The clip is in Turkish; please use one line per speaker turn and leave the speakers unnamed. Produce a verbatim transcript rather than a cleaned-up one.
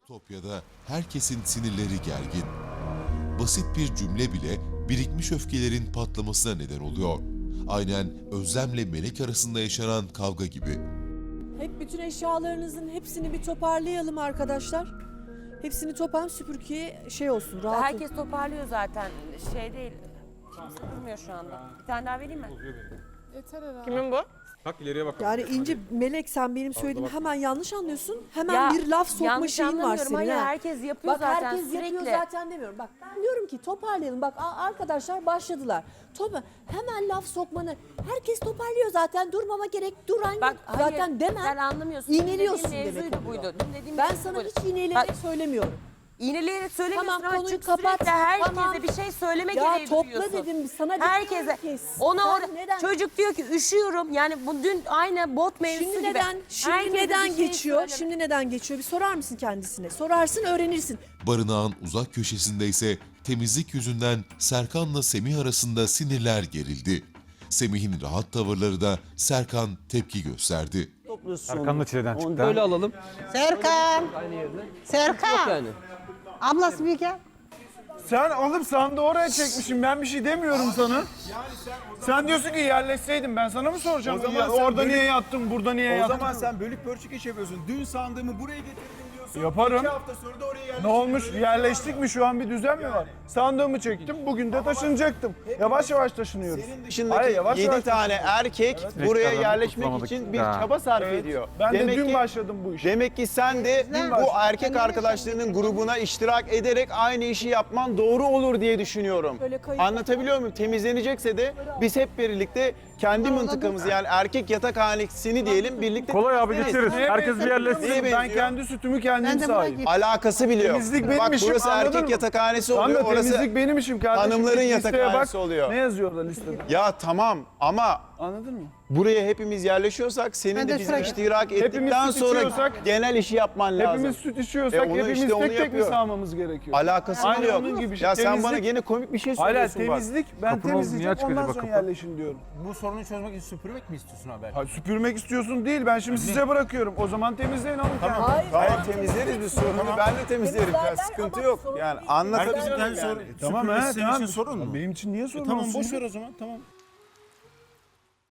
Topya'da herkesin sinirleri gergin. Basit bir cümle bile birikmiş öfkelerin patlamasına neden oluyor. Aynen Özlem'le Melek arasında yaşanan kavga gibi.
Hep bütün eşyalarınızın hepsini bir toparlayalım arkadaşlar. Hepsini toparlayalım, süpürgeye şey olsun, rahat olsun.
Herkes toparlıyor zaten. Şey değil. Kimse durmuyor şu anda. Bir tane daha vereyim mi?
Yeter herhalde.
Kimin bu?
Bak ileriye bak.
Yani İnci, Melek sen benim söylediğimi hemen yanlış anlıyorsun. Hemen
Ya,
bir laf sokma
yanlış
şeyin var
anlamıyorum.
senin.
Hayır,
ha.
herkes yapıyor
Bak,
zaten
herkes
sürekli.
yapıyor zaten demiyorum. Bak ben diyorum ki toparlayalım. Bak a- arkadaşlar başladılar. Topa hemen laf sokmanı. Herkes toparlıyor zaten. Durmama gerek. Duran
Bak
yok.
hayır,
Zaten deme.
sen anlamıyorsun.
İğneliyorsun
Dün dediğim
demek
mevzuydu
oluyor.
buydu. Dün dediğim
Ben
mevzu
sana
buydu.
hiç iğneleyerek söylemiyorum.
İğneleyerek söylemiyorsun
Tamam,
ama
konuyu
çünkü
kapat.
sürekli herkese
Tamam.
bir şey söyleme
Ya
gereği
topla
duyuyorsun.
dedim sana.
Herkese.
demiyorum ki.
Ona
Sen
orada
neden?
çocuk diyor ki üşüyorum. Yani bu dün aynı bot mevzusu
Şimdi
gibi.
neden? Şimdi
Herkese bir
neden
şey
geçiyor?
söyleme.
Şimdi neden geçiyor? Bir sorar mısın kendisine? Sorarsın, öğrenirsin.
Barınağın uzak köşesinde ise temizlik yüzünden Serkan'la Semih arasında sinirler gerildi. Semih'in rahat tavırları da Serkan tepki gösterdi.
Serkan da çileden
Onu
çıktı.
böyle alalım.
Serkan. Serkan.
Yani.
Ablası bir gel.
Sen alıp sandığı oraya çekmişsin. Ben bir şey demiyorum sana. Sen diyorsun ki yerleşseydim ben sana mı soracağım?
O zaman
Ya
sen
orada
bölük-
niye yattın, burada niye
O
yattın?
zaman sen bölük pörçük iş yapıyorsun. Dün sandığımı buraya getirdim diyorsun.
Yaparım.
İki hafta sonra da oraya yerleştirdim.
Ne olmuş?
diyorsun.
Yerleştik mi? Şu an bir düzen mi var? Sandığımı çektim. Bugün de taşınacaktım. Yavaş yavaş taşınıyoruz.
Senin
Dışındaki
Hayır, yavaş
yedi
yavaş
tane erkek buraya
Tekrardan
yerleşmek
kurtulamadık.
için bir
Ha.
çaba sarf
Evet.
ediyor.
Ben de
demek
dün
ki,
başladım bu işe.
Demek ki sen de
Dün
bu
başladım.
erkek arkadaşlarının grubuna iştirak ederek aynı işi yapman doğru olur diye düşünüyorum.
Böyle kayıp-
Anlatabiliyor muyum? Temizlenecekse de biz hep birlikte kendi mıntıkamızı yani erkek yatakhanesini diyelim birlikte
Kolay abi
temizleriz.
geçeriz.
Neye
Herkes bir
benziyor
yerleşsin.
biliyor musun?
Neye
Ben
benziyor?
kendi sütümü kendim
Ben de buraya
sahibim.
gittim.
Alakası bile yok.
Temizlik benim
Bak
işim,
burası
anladın
erkek
mı?
yatakhanesi
Tamam
oluyor.
da
Orası
temizlik benim işim kardeşim.
hanımların
Git listeye
yatakhanesi
bak.
oluyor.
Ne yazıyor orada listede?
Ya tamam ama
Anladın mı?
buraya hepimiz yerleşiyorsak senin
Ben
de
de
bizim
şuraya-
iştirak
Hepimiz
ettikten
süt
sonra
içiyorsak-
genel işi yapman lazım.
Hepimiz süt içiyorsak
E onu
hepimiz
işte onu
tek tek mi
yapıyor.
sağmamız gerekiyor?
Alakası
Aynen
bile yok.
onun gibi şey.
Ya sen
Temizlik-
bana gene komik bir şey
Hala
söylüyorsun bak.
temizlik, ben
Kapının niye
temizleyeceğim
açık
ondan
acaba
sonra
kapı?
yerleşin diyorum.
Bu sorunu çözmek için süpürmek mi istiyorsun haber?
Ha, süpürmek istiyorsun değil, ben şimdi size bırakıyorum. O zaman temizleyin alın kendiniz.
Hayır,
Hayır
tamam,
temizleriz biz sorunu ben de temizlerim ya
Temizlerler
sıkıntı
ama
yok.
sorun
Yani
değil.
anlatabiliyorum
Herkesin kendi
yani.
sorunu.
Tamam
Süpürmesi
he,
senin
tamam.
için sorun mu?
Benim için niye sorun
Tamam
olsun?
boş ver o zaman tamam.